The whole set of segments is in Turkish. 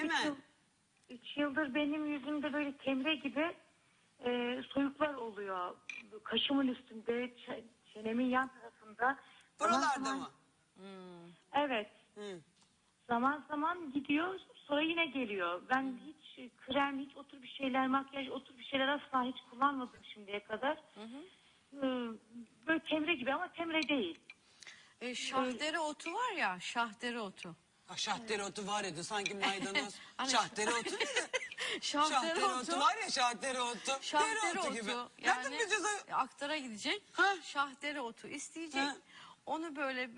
mi? 3 yıldır benim yüzümde böyle temre gibi soyuklar oluyor. Kaşımın üstünde, çenemin yan tarafında. Buralarda mı? Evet. Hı. Zaman zaman gidiyor, sonra yine geliyor. Ben hiç krem, hiç otur bir şeyler, makyaj, otur bir şeyler asla hiç kullanmadım şimdiye kadar. Böyle temre gibi ama temre değil. Şahdere otu var ya, şahdere otu. Ha, şahdere otu var ya, sanki maydanoz. Hani- Şahdere otu ne? Şahdere otu var ya, şahdere otu. Şahdere Dereotu otu gibi. yani Nereden bileceğiz o? aktara gidecek. Ha? Şahdere otu isteyecek. Ha? Onu böyle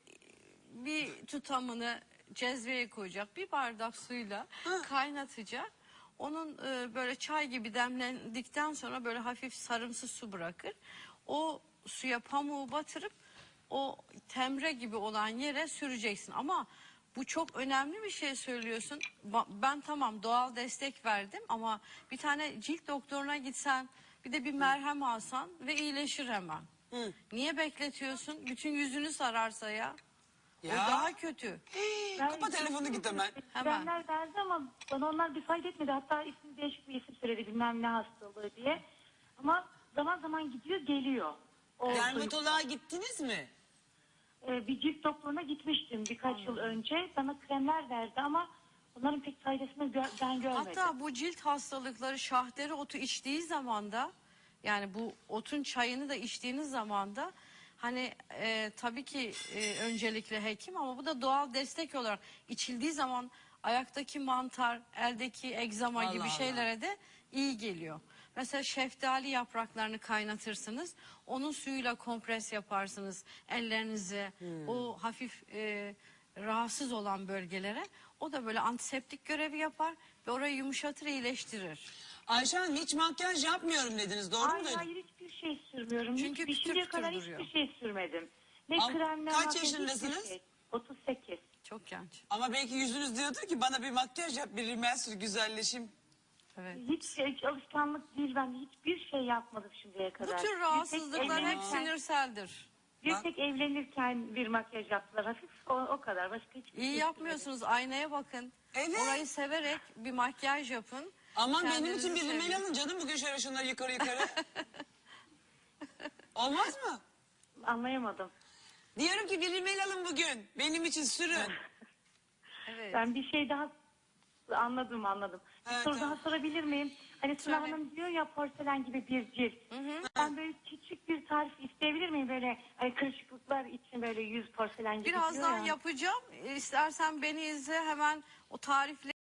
bir tutamını cezveye koyacak. Bir bardak suyla kaynatacak. Onun böyle çay gibi demlendikten sonra böyle hafif sarımsı su bırakır. O suya pamuğu batırıp o temre gibi olan yere süreceksin. Ama bu çok önemli bir şey söylüyorsun. Ben tamam doğal destek verdim ama bir tane cilt doktoruna gitsen bir de bir merhem alsan ve iyileşir hemen. Hı. Niye bekletiyorsun? Bütün yüzünü sararsa ya. Ya. O daha kötü. Kapa telefonu git hemen. Hemen. Kremler verdi ama bana onlar bir fayda etmedi. Hatta ismi değişik bir isim söyledi, bilmem ne hastalığı diye. Ama zaman zaman gidiyor, geliyor. O Dermatoloğa gittiniz mi? bir cilt doktoruna gitmiştim birkaç yıl önce. Bana kremler verdi ama onların pek faydasını ben görmedim. Hatta bu cilt hastalıkları şahdere otu içtiği zaman da yani bu otun çayını da içtiğiniz zaman da hani tabii ki öncelikle hekim ama bu da doğal destek olarak içildiği zaman ayaktaki mantar, eldeki egzama Allah gibi Allah. şeylere de iyi geliyor. Mesela şeftali yapraklarını kaynatırsınız. Onun suyuyla kompres yaparsınız ellerinizi. O hafif rahatsız olan bölgelere. O da böyle antiseptik görevi yapar ve orayı yumuşatır, iyileştirir. Ayşe Hanım, hiç makyaj yapmıyorum dediniz, doğru mu Hayır duydum? hayır, hiçbir şey sürmüyorum. Çünkü Hiç, şimdiye pütür kadar duruyor. hiçbir şey sürmedim. Ne Ama krem ne kaç makyaj, hiçbir yaşındasınız? şey. 38. Çok genç. Ama belki yüzünüz diyordur ki bana bir makyaj yap, bir rimel sür, güzelleşim. Evet. Hiç alışkanlık değil, ben hiçbir şey yapmadım şimdiye Bu kadar. tür rahatsızlıklar hep sinirseldir. Bir tek evlenirken bir makyaj yaptılar hafif, o kadar. Başka hiçbir şey İyi sürmedim. yapmıyorsunuz. Aynaya bakın. Evet. Orayı severek bir makyaj yapın. Aman benim Kendinizi için bir rimel sevin. alın canım, bugün şöyle şunları yukarı yukarı. Olmaz mı? Anlayamadım. Diyorum ki bir rimel alın bugün, benim için sürün. Evet. Ben bir şey daha anladım. Bir Evet, soru tamam. daha sorabilir miyim? Hani Sıla Söyle. Hanım diyor ya, porselen gibi bir cilt. Ben böyle küçük bir tarif isteyebilir miyim? Böyle hani kırışıklıklar için böyle yüz porselen gibi diyor Birazdan ya. yapacağım. İstersen beni izle, hemen o tarifle